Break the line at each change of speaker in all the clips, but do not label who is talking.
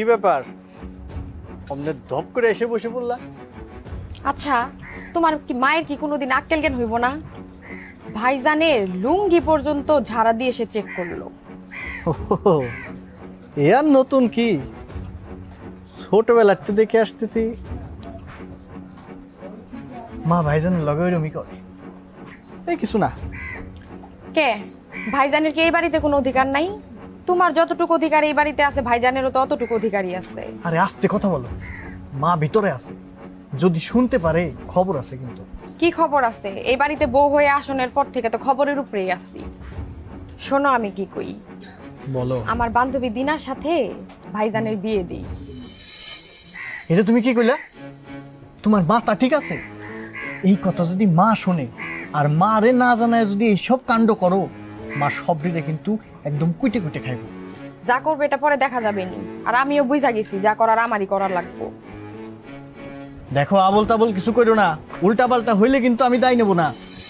কি ব্যাপার অমনে ধপ করে এসে বসে পড়লা?
আচ্ছা, তোমার কি মায়ের কি কোনোদিন আক্কেল জ্ঞান হইব না? ভাইজানের লুঙ্গি পর্যন্ত ঝাড়া দিয়ে এসে চেক করলো।
ওহো, এ আর নতুন কি? ছোটবেলাতে দেখে আসতেছি মা ভাইজানের লগে ওইরকমই করে। এই কিছু না।
কে ভাইজানের কি এই বাড়িতে কোনো অধিকার নাই? তোমার যতটুকু অধিকার এই বাড়িতে আছে ভাইজানেরও তো অতটুকু অধিকারই আছে।
আরে আস্তে কথা বলো, মা ভিতরে আছে, যদি শুনতে পারে খবর আছে কিন্তু।
কি খবর আছে? এই বাড়িতে বউ হয়ে আসনের পর থেকে তো খবরের উপরেই আছি। শোনো আমি কি কই,
বলো।
আমার বান্ধবী দিনার সাথে ভাইজানের বিয়ে দিই।
এটা তুমি কি কইলা? তোমার মাথা ঠিক আছে? এই কথা যদি মা শোনে আর মা রে না জানায় যদি এইসব কাণ্ড করো, মা সবরিরে কিন্তু একদম কুইটে কুইটে খাইব।
যা করবে এটা পরে দেখা যাবে নি, আর আমিও বুঝা গেছি যা করার আমারই করার লাগবো।
দেখো আবল তাবল কিছু করো না, উল্টা পাল্টা হইলে কিন্তু আমি দায় নেব না।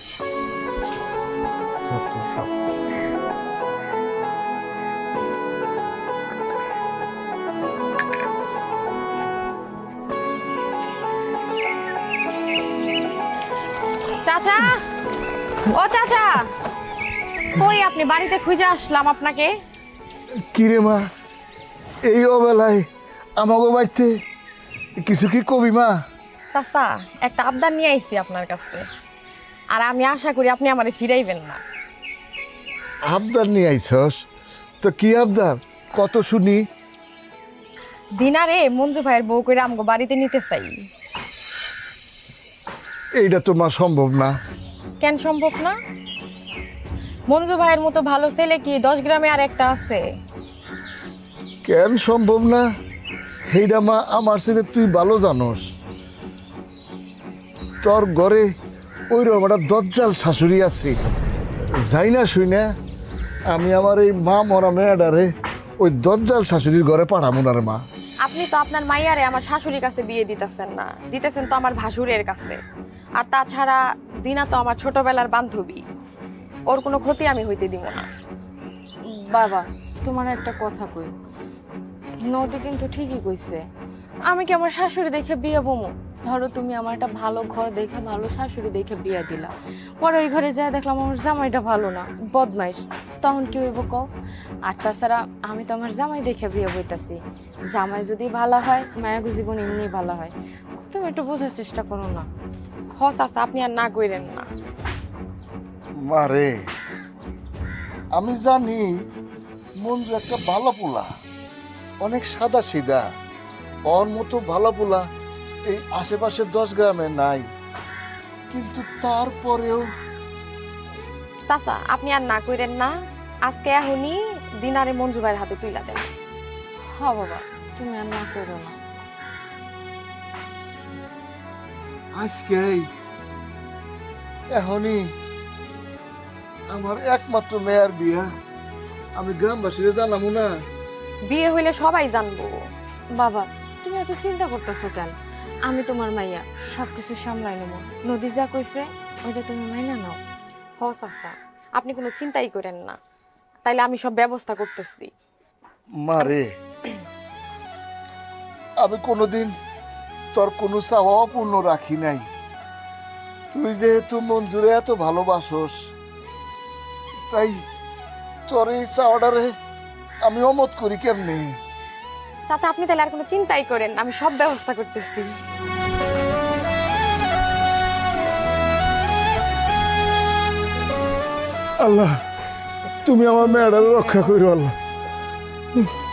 চাচা, ও চাচা, কই আপনি? বাড়িতে খুঁজে আসলাম আপনাকে।
কিরে মা, এই অবেলায় আমাকে বাড়িতে কিছু কি কবি মা?
চাচা, একটা আবদার নিয়ে আইছি আপনার কাছে, আর আমি আশা করি আপনি আমারে ফিরাইবেন না।
আবদার নিয়ে আইছস? তো কি আবদার, কত শুনি।
দিনারে মঞ্জু ভাইয়ের বউ করে আমগো বাড়িতে নিতে চাই।
এইটা তো মা সম্ভব না।
কেন সম্ভব না? মঞ্জু ভাইয়ের মতো ভালো ছেলে কি 10 গ্রামে আর একটা আছে?
কেন সম্ভব না? এইটা মা আমার ছেলে তুই ভালো জানোস। তোর ঘরে ওই রকম একটা দজ্জাল শাশুড়ি আছে, যাই না শুই না আমি আমার এই মা মরা মেয়েটারে ওই দজ্জাল শাশুড়ির ঘরে পাঠাবো না রে মা।
আপনি তো আপনার মাইয়ারে আমার শাশুড়ির কাছে বিয়ে দিতেছেন না, দিতেছেন তো আমার ভাসুরের কাছে। আর তাছাড়া দিনা তো আমার ছোটবেলার বান্ধবী, ওর কোনো ক্ষতি আমি হইতে দিব না।
বাবা, তোমার একটা কথা কই, নদী কিন্তু ঠিকই কইছে। আমি কি আমার শাশুড়ি দেখে বিয়ে বমু? ধরো তুমি আমার একটা ভালো ঘর দেখে, ভালো শাশুড়ি দেখে বিয়ে দিলা, পরে ওই ঘরে যাই দেখলাম আমার জামাইটা ভালো না, বদমাইশ, তখন কি হইব কও? আর তাছাড়া আমি তো আমার জামাই দেখে বিয়ে বইতাছি, জামাই যদি ভালো হয় মায়াগো জীবন এমনি ভালো হয়। তুমি একটু বোঝার চেষ্টা করো না।
হ চাচা, আপনি আর না কইরেন না।
মারে, আমি জানি মঞ্জু একটা ভালো পোলা, অনেক সাদা সিধা, ওর মতো ভালো পোলা এই আশেপাশে 10 গ্রামে নাই, কিন্তু তারপরেও
চাচা আপনি আর না কইরেন না, আজকে এখনই দিনারে মঞ্জু ভাইয়ের হাতে তুইলা দেন।
হ্যাঁ বাবা, তুমি আর না করো না।
আজকে এখনই আমার একমাত্র মেয়ের বিয়া, আমি গ্রামবাসীরা জানাবো না?
বিয়ে হইলে সবাই জানবো।
বাবা, তুমি এত চিন্তা করতেছো কেন? আমি তোমার মাইয়া, সবকিছু সামলাই নেবো। নদী যা কইছে ওইটা তুমি মাইনা নাও।
হ চাচা, আপনি কোনো চিন্তাই করেন না, তাইলে আমি সব ব্যবস্থা করতেছি।
মারে, আমি কোনোদিন তোর কোনো চাওয়া অপূর্ণ রাখি নাই। তুই যেহেতু মঞ্জুরে এত ভালোবাসোস, তাই তোর এই চাওয়াটারে আমি অমত করি কেমনে?
চাচা আপনি তাহলে আর কোনো চিন্তাই করেন না, আমি সব ব্যবস্থা করতেছি।
আল্লাহ, তুমি আমার মেয়েটারে রক্ষা করো আল্লাহ।